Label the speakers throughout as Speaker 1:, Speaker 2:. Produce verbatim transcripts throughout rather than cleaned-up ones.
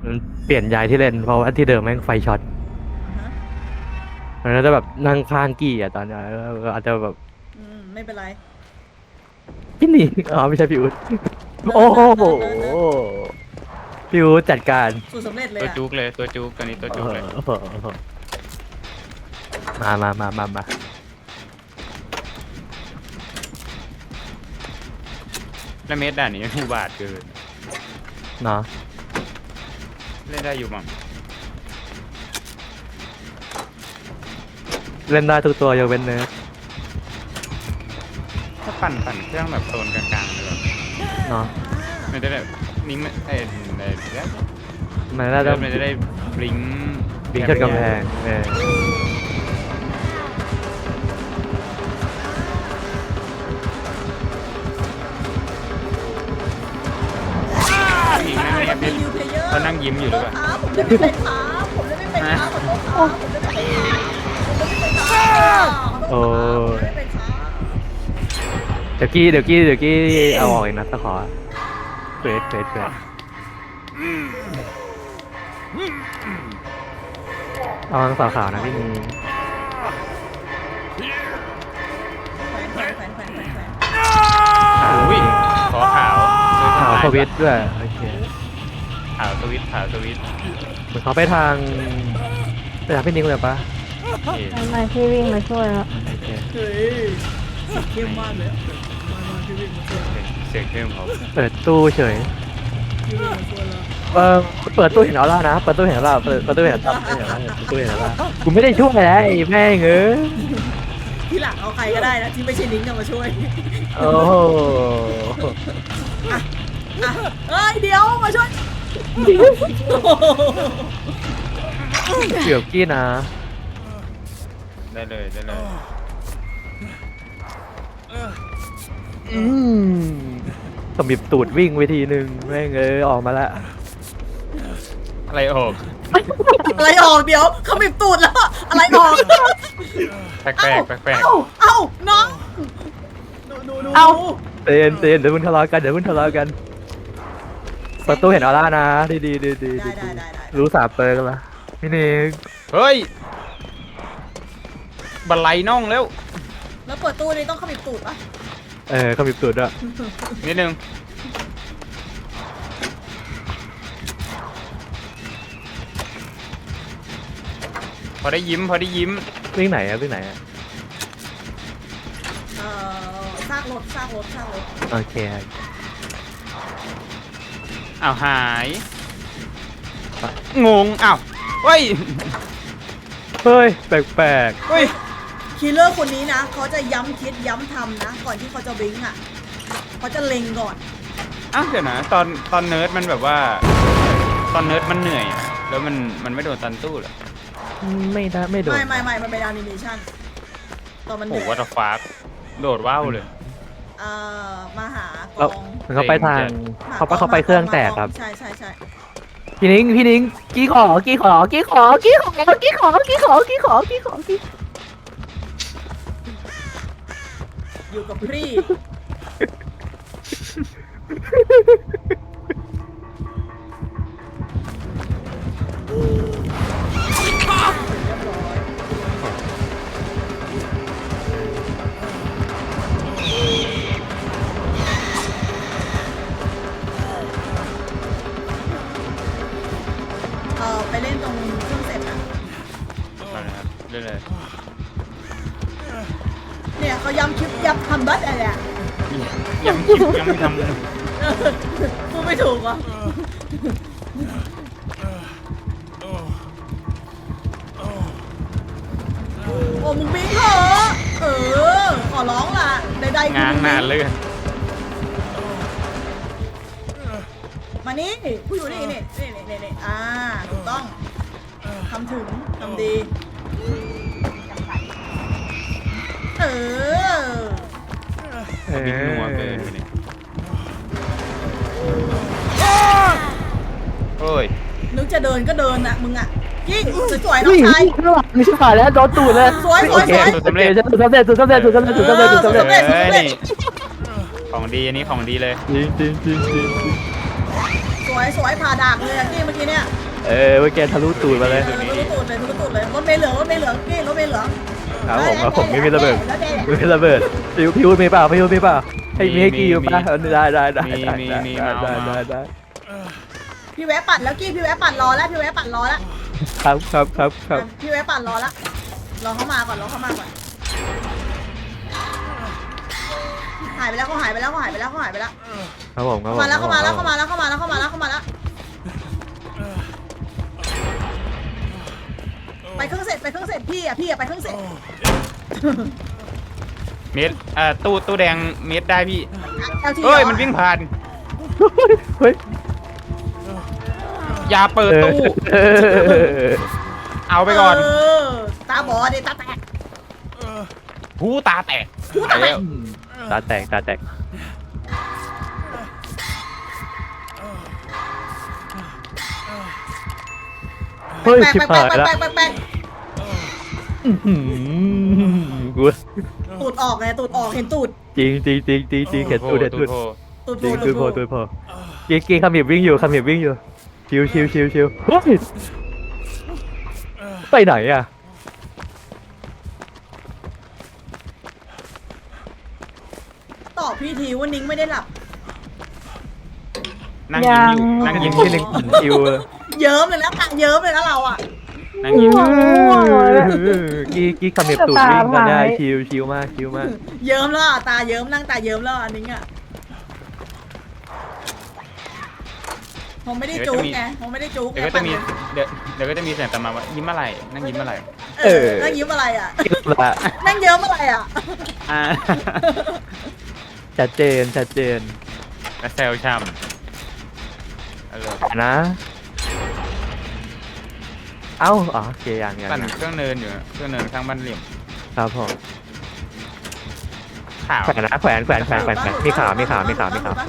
Speaker 1: มันเปลี่ยนย้ายที่เล่นเพราะว่าที่เดิมแม่งไฟช็อต
Speaker 2: อ่าฮะ
Speaker 1: มันก็จะแบบนั่งข้างกี่อ่ะตอนเนี้ยแล้วอาจจะแบบ
Speaker 2: อืมไม่เป็นไร
Speaker 1: พี่หนีอ๋อไม่ใช่พี่อุ๊ด
Speaker 2: เนิ
Speaker 1: โอ้โห
Speaker 2: ร์ดเนิร์ดเนิร์ดเนิร์ดเนิร์ด
Speaker 1: พี่อุ๊ดจัดการ
Speaker 2: สูตรสำเร็จเลย
Speaker 3: ตัว
Speaker 2: อ่ะ
Speaker 3: จุกเลยตัวจุกตัวนี้ตัว
Speaker 1: เอ
Speaker 3: จุกเลย
Speaker 1: อมามามามามา
Speaker 3: แล้วเมตรด่านนี้อุบาทเกิน
Speaker 1: เนาะ
Speaker 3: เล่นได้อยู่มั้ง
Speaker 1: เล่นได้ทุกตัวยกเว้นเนื้อ
Speaker 3: ถ้าปั่นปั่นเครื่องแบบโซนกลางๆเลยแบบ
Speaker 1: เนาะ
Speaker 3: มันจะแบบนิ้งไม่เอ้ยเอ้ยเดี๋ยว
Speaker 1: มันน่าจะ
Speaker 3: เริ่มมันจะได้บลิง
Speaker 1: บิงชนกำแพงเออ
Speaker 3: ยิงนั่งเงียบ
Speaker 2: มี
Speaker 3: ดิ
Speaker 2: นิวเพลเยอร์
Speaker 3: เขานั่งยิ้มอยู่หรือเปล่า
Speaker 2: ครับผมจะไม่เป็นครับผมจะไม่เป็นครับขอโทษครับผมจะไม่เป็นครับผมจะไม่เป็นครับขอโทษครับผมจะไม่เป็นครับ
Speaker 1: เดี๋ยวกี้เดี๋ยวกี้เดี๋ยวกี้เอาออกอีกนะตะขอเฟสเฟสเฟสเอาทางสาวขาวนะพี่นี
Speaker 2: แขวนแขวนแขวนแขวนแขวนแขวน
Speaker 3: อุ้ยขอขาว
Speaker 1: ขาวสวิตช์ด้วยโอเค
Speaker 3: ขาวสวิตช์ขาวสวิตช์
Speaker 1: เหมือนเขาไปทางไปทางพี่นิกเลยปะ
Speaker 3: เอ๊ะ
Speaker 4: ทำไมพี่วิ่งมาช่วยแล้ว
Speaker 1: โอเค
Speaker 2: เฮ้ยสีเข้มมากเลยอะมามาพี่วิ่งมาช่วย
Speaker 3: เสียงเครื่องเขา
Speaker 1: เปิดตู้เฉย
Speaker 2: พี่วิ่งมาช่วยแล้ว
Speaker 1: เออเปิดตู้เห็นออร่านะเปิดตู้เห็นออร่าเปิดเปิดตู้เห็นออร่าเปิดตู้เห็นออร่ากูไม่ได้ช่วยนะไอ้แม่งเอ้ย
Speaker 2: ที่หลังเอาใครก็ได้นะที่ไม่ใช่นิ้งจะมาช่วย
Speaker 1: โอ้โห
Speaker 2: อ่ะเอ้ยเดี๋ยวมาช่วย
Speaker 1: เกือบกี้นะ
Speaker 3: ได้เลยได้เลย
Speaker 1: อืมสมิบตูดวิ่งไปทีนึงแม่งเอ้ยออกมาละ
Speaker 3: อะไรออก
Speaker 2: อะไรออกเดี๋ยวเขาบีบตูดแล้วอะไรออก
Speaker 3: แปลกแปลกแปลกแปลก
Speaker 2: เอ้าเอ้าน้องดูดูดู
Speaker 1: เอ้า เตือนเตือนเดี๋ยวมึงทะเลาะกันเดี๋ยวมึงทะเลาะกันเปิดตู้เห็นออร่านะดีดีดีดี
Speaker 2: ได้ได้ได้ได้
Speaker 1: รู้สาบเปิร์กันละพี่นิก
Speaker 3: เฮ้ยบันไลน่องแล้ว
Speaker 2: แล้วเปิดตู้นี้ต้องเขาบีบตูดปะ
Speaker 1: เออเขามีตูดด้วย
Speaker 3: นิดนึงพอได้ยิ้มพอได้ยิ้ม
Speaker 1: วิ่งไหนอะวิ่งไหนอะ
Speaker 2: เอ่อซากรถซากรถซากรถ
Speaker 1: โอเค
Speaker 3: อ้าวหายงงอ้าวเฮ้ย
Speaker 1: เฮ้ยแปลก
Speaker 3: เฮ้ย
Speaker 2: คิลเลอร์คนนี้นะเขาจะย้ำคิดย้ำทำนะ ก่อนที่เขาจะบลิงก์อ่ะเขาจะเล็งก่อน
Speaker 3: อ้าวเดี๋ยวนะตอนตอนเนิร์ดมันแบบว่า ตอนเนิร์ดมันเหนื่อยอะแล้วมันมันไม่โดนตันตู้เหรอ
Speaker 1: ๆไม่ได้ไม่โดน
Speaker 2: ไม่ไม่ไม่มันเป็นแอนิเมชันตอนมัน
Speaker 3: โอ้
Speaker 2: เดือ
Speaker 3: วัต
Speaker 2: ด
Speaker 3: ฟาร์โดดว้าวเลย
Speaker 2: เอ่อมาหาก
Speaker 1: แล้ว
Speaker 2: อง
Speaker 1: มันเขาไปทาง
Speaker 2: ห
Speaker 1: เขาไป
Speaker 2: ก
Speaker 1: เขาไปเครื่องแตกครับ
Speaker 2: ใช่ใช่ใช่
Speaker 1: พี่นิ้งพี่นิ้งกี้ขอกี้ขอกี้ขอกี้ขอกี้ขอกี้ขอกี้ขอกี้ขอกี้
Speaker 2: อยู่กับพี่เออไปเล่นตรงเครื่องเสร็จนะ
Speaker 3: เอาเลยครับเรื่อย
Speaker 2: เนี่ยเขาย้ำคลิปย้ำทำบัตอะไรอ่ะ
Speaker 3: ๆยังคิดยังไม่ทำเลย
Speaker 2: พูดไม่ถูกอ่ะโอ้มึงบิงเหรอเออขอร้องล่ะใดๆ
Speaker 3: งานนานเลย
Speaker 2: มานี่ผู้อยู่นี่นี่นี่นี่นี่อ่าถูกต้องทำถึงทำดี เออ
Speaker 3: บิ๊กนัวเกินไปเนี่ยโอ้ย
Speaker 2: นึกจะเดินก็เดินน่ะมึงอ่ะยิ่งสวยๆน้องชาย
Speaker 1: ไม่ใช่ผ่านแล้วโดนตูดเลย
Speaker 2: สวยสวยสวย
Speaker 1: โอเคสุดสำเร็จสุดสำเร็จสุดสำเร็จสุดสำเร็จสุดสำเร็จสุดสำเร็จ
Speaker 2: เออ
Speaker 3: เอ้ยนี่ของดีอันนี้ของดีเลย
Speaker 1: จริงจริงจริงจริง
Speaker 2: สวยสวยผ่าดากเลยอะกี้เมื่อกี้เนี่ย
Speaker 1: เออเมื่อกี้ทะลุตูดมาเลย
Speaker 2: เออทุกตูดเลยทุกตูดเลยรถเมล์เหลืองรถเมล์เหลืองกี้รถเมล์เหลือง
Speaker 1: ครับผมครับผมไม่มีระเบิด
Speaker 2: แล้วแดง
Speaker 1: ไม่มีระเบิดพิวพิวมีเปล่าพิวมีเปล่าให้มีให้กี่อยู่ป่ะได้ได้ได้ได้ได้ได้ได้ได้
Speaker 2: พี่แวะปั่นแล้วกี้พี่แวะปั่นรอแล้วพี่แวะปั่นรอแล้ว
Speaker 1: ครับครับครับครับ
Speaker 2: พี่แวะปั่นรอแล้วรอเขามาก่อนรอเขามาก่อนหายไปแล้วเขาหายไปแล้วเขาหายไปแล้วเขาหายไปแล้ว
Speaker 1: ครับผมครับผม
Speaker 2: มาแล้วเข้ามาแล้วเข้ามาแล้วเข้ามาแล้วเข้ามาแล้วเข้ามาแล้วไปเครื่องเสร็จไปเครื่องเสร็จพี่อ่ะพี่อ่ะไปเครื่องเสร็จ
Speaker 3: เมตรเอ่อตู้ตู้แดงเมตรได้พี่
Speaker 2: แอลที
Speaker 3: เฮ้ยมันวิ่งผ่าน
Speaker 1: เฮ้ย
Speaker 3: อย่าเปิดตู้
Speaker 1: เออ
Speaker 3: เอาไปก่อน
Speaker 2: เออตาบอดดิตาแตก
Speaker 3: หูตาแตก
Speaker 2: หูตาแตก
Speaker 1: ตาแตกตาแตกเฮ้ย
Speaker 2: แปลก
Speaker 1: ชิบ
Speaker 2: แปล
Speaker 1: หาก ย
Speaker 2: แปลก
Speaker 1: ละ
Speaker 2: แปลกแปลกแปลก
Speaker 1: กู
Speaker 2: ตูดออกไงตูดออกเห็นตูด
Speaker 1: จริงจริงจริงจริงจริงเห็นตูดเห็นตูด
Speaker 3: โทร
Speaker 2: ตูด
Speaker 1: จริง
Speaker 2: ตู
Speaker 1: ตู
Speaker 2: ด
Speaker 1: ดพอตูดพอกีกีคำหยิบวิ่งอยู่คำหยิบวิ่งอยู่ชิวชิวชิวชิวเฮ้ยไปไหนอ่ะ
Speaker 2: ตอบพี่ทีว่านิ้งไม่ได้หลับ
Speaker 3: นั่งยิ้มอยู่นั่ง
Speaker 1: ยิ
Speaker 3: ยิ้
Speaker 1: ง
Speaker 3: ม
Speaker 1: ที่หนึ่งชิว
Speaker 2: เยิ้มเลยนะตาเยิ้มเลยนะเราอ่ะ
Speaker 3: นั่งยิ้มอยู่
Speaker 1: กีกีคำหยิบตูดวิ่งมาได้ชิวชิวมากชิวมาก
Speaker 2: เยิ้มแล้วอ่ะตาเยิ้มนั่งตาเยิ้มแล้วอันนิ้งอ่ะผมไม่ได้จุกไงผมไม่ได้จุก
Speaker 3: เดี๋ยวก็จะมีเดี๋ยวเดี๋ยวก็จะมีเสียงตามมาว่ายิ้มอะไรนั่งยิ้มอะไร
Speaker 2: เออนั่งยิ้มอะไรอ่ะ
Speaker 1: ละ
Speaker 2: นั่งเยิ้มอะไรอ่ะ
Speaker 3: อ่า
Speaker 1: ชัดเจนชัดเจน
Speaker 3: และเซลช่ำเอาเลย
Speaker 1: นะ เอ้าอ๋อโอเคยังยัง
Speaker 3: ปั่น
Speaker 1: ยัง
Speaker 3: เครื่องเนินอยู่เครื่องเนินข้างบ้านเหลี่ยม
Speaker 1: ครับผม
Speaker 3: ขาว
Speaker 1: แขวนนะแขวนแขวนแขวนแขวนแขวนมีขามีขามีขามีขา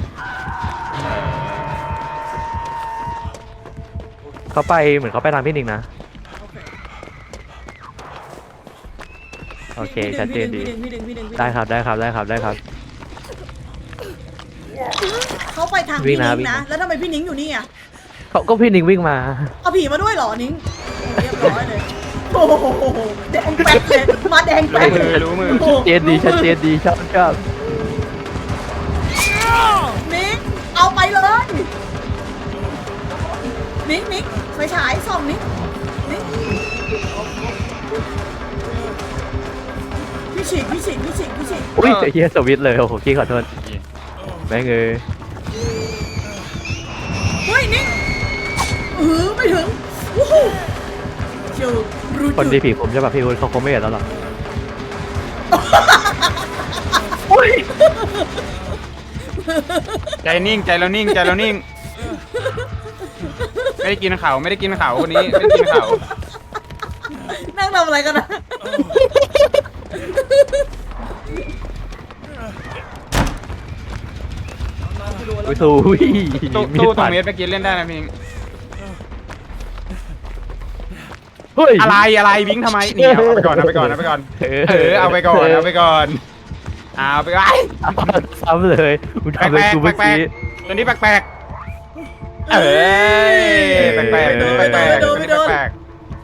Speaker 1: เขาไปเหมือนเขาไปทางพี่นิงนะโอเคชัดเจนดี
Speaker 2: พี่ดึงพี่ดึงพี่ดึง
Speaker 1: ได้ครับได้ครับได้ครับได้ครับ
Speaker 2: เขาไปทาง
Speaker 1: วิ่
Speaker 2: พี่
Speaker 1: งนะ
Speaker 2: นิ้ง
Speaker 1: วิ่ง
Speaker 2: นะ
Speaker 1: นะ
Speaker 2: แล้วทำไมพี่นิ้งอยู่นี่อ่ะ
Speaker 1: เขาก็พี่นิงวิ่งมา
Speaker 2: เอาผีมาด้วยเหรอนิ้งเรียบร้อยเลยโอ้โหแดงแป๊ดเลยมาแดงแป๊ด
Speaker 3: รู้มือรู้มือ
Speaker 2: โอ้โห
Speaker 1: เจนดีชัดเจนดีชอบชอบ
Speaker 2: นิ้งเอาไปเลยนิ้งนิ้งไฟฉายส่องนิ้งนิ้งพี่ฉีกพี่ฉีกพี่ฉีกพี่ฉีก
Speaker 1: อุ้ยเฮียสวิตช์เลยโอ้โหกี้ขอโทษแม่งเอ้ย
Speaker 2: เฮ้ยนิ้งเออไม่ถึงวู้ฮู้เชียวรู้
Speaker 1: คน
Speaker 2: จุ
Speaker 1: ดี
Speaker 2: ด
Speaker 1: ผีผมใช่ป่ะพี่คุณเขาคงไม่เห็นแล้วหรอก
Speaker 3: ใจนิ่งใจเรานิ่งใจเรานิ่งไม่ได้กินเขาไม่ได้กินเขาคนนี้ไม่ได้กินเขา
Speaker 2: นั่งทำอะไรกันนะ
Speaker 1: อุ้ยสู้อุ้ย
Speaker 3: ตู้
Speaker 1: มี
Speaker 3: ตู้
Speaker 1: ด
Speaker 3: ตร
Speaker 1: ปั
Speaker 3: ง
Speaker 1: ด
Speaker 3: เมตรเมื่อกี้เล่นได้นะพี่
Speaker 1: เฮ้ย
Speaker 3: อะไรอะไรวิ่งทำไมนี่เอาไปก่อนเอาไปก่อนเอาไปก่อนเออเอาไปก่อนเอาไปก่อนเอาไปก่อน
Speaker 1: ซ้ำเลยมึง
Speaker 3: แปล
Speaker 1: ทำเลย
Speaker 3: ก
Speaker 1: กู
Speaker 3: แปล
Speaker 1: เมื่อก
Speaker 3: แปล
Speaker 1: กี้
Speaker 3: กตัวนี้แปลกแปลกเอ้ยแปลกแปลกตัวนี้แปลกแปลกตัวนี้แปลกแปลก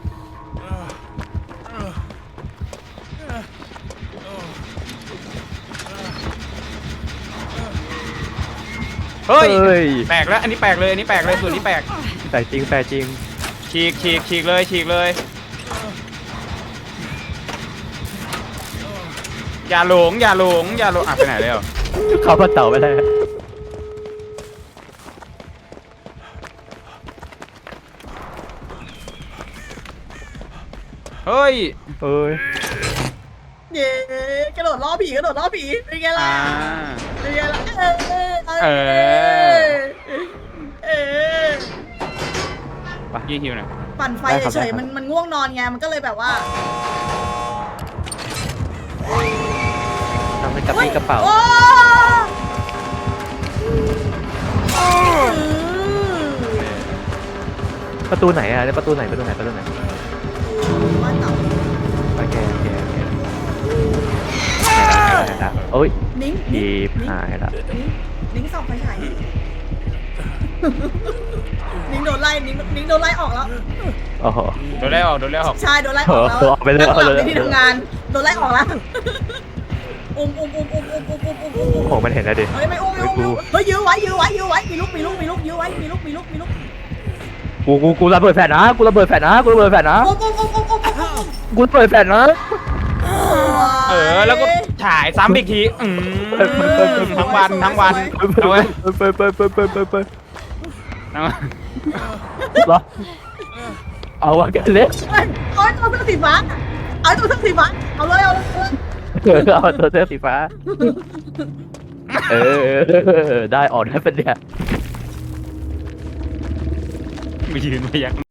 Speaker 3: เฮ้ยแปลกแล้วอันนี้แปลกเลยอันนี้แปลกเลยส่วนนี้แปลก
Speaker 1: แต่จริงแต่จริง
Speaker 3: ฉีกฉีกฉีกเลยฉีกเลยอย่าหลงอย่าหลงอย่าหลงอ่ะไปไหนแล้ว
Speaker 1: เขาพัดเต่าไปเลย
Speaker 3: เฮ้ย
Speaker 1: เอ้ย
Speaker 2: เย้กระโดดล้อผีกระโดดล้อผีเป็นไงล่ะ
Speaker 3: อ่า
Speaker 2: เป็นไงล่ะเออเอ
Speaker 3: เอ
Speaker 2: อ
Speaker 3: อ
Speaker 2: เออ
Speaker 3: ยี่หิวหน่อย
Speaker 2: ปั่นไฟเฉยๆมันมันง่วงนอนไงมันก็เลยแบบว่า
Speaker 1: ทำเป็นกระปี้กระเป๋า
Speaker 2: โอ้อืม
Speaker 1: ประตูไหนอ่ะเนี่ยประตูไหนประตูไหนประตูไหน
Speaker 2: บ้านเต่า
Speaker 1: โอเคโอเคโอเคได้ละโอ้ย
Speaker 2: นิ้ง
Speaker 1: ดี
Speaker 2: นิ้ง
Speaker 1: หายละ
Speaker 2: นิ้งนิ้งส่องไฟฉายนิ้งโดนไล่นิ้งนิ้งโดนไล่ออกแล้ว
Speaker 1: โอ้โห
Speaker 3: โดนไล่ออกโดนไล่ออก
Speaker 2: ใช่โดนไล่ออกแล้ว
Speaker 1: เออเอาไปเลย
Speaker 2: นั่งหลับ
Speaker 1: เอาเลย
Speaker 2: ในที่ทำงานโดนไล่ออกแล้วอุ้มอุ้มอุ้มอุ้มอุ้มอุ้มอุ้มอุ้มอุ้ม
Speaker 1: โอ้โหมันเห็นแล้วดิ
Speaker 2: เฮ้ยไม่อุ้มไม่อุ้มไม่อุ้มเฮ้ยยื้อไว้ยื้อไว้ยื้อไว้มีลูกมีลูกมีลูกยื้อไว้มีลูกมีลูกมีลูก
Speaker 1: กูกูกูระเบิดแฟนนะกูระเบิดแฟนนะกูระเบิดแฟนนะ
Speaker 2: อุ้มอุ้มอุ้มอุ้มอุ้มอุ้ม
Speaker 1: กูระเบิดแฟนนะ
Speaker 3: เออแล้วก็ฉายซ้ำอีกทีอืมทั้งวันทั้งวันทั้งวัน
Speaker 1: เปิดเปิดเปิดเปิดเปิดเปิด
Speaker 3: ทั้งวัน
Speaker 1: เหรอเอาวะกันเล็ก
Speaker 2: เฮ้ยเอาตัวเสื้อสีฟ้าเอาตัวเสื้อสีฟ้าเอาเลยเอาเลย
Speaker 1: เออเอาตัวเสื้อสีฟ้าเออได้ออกได้เป็นเนี่ย
Speaker 3: มายืนมายัก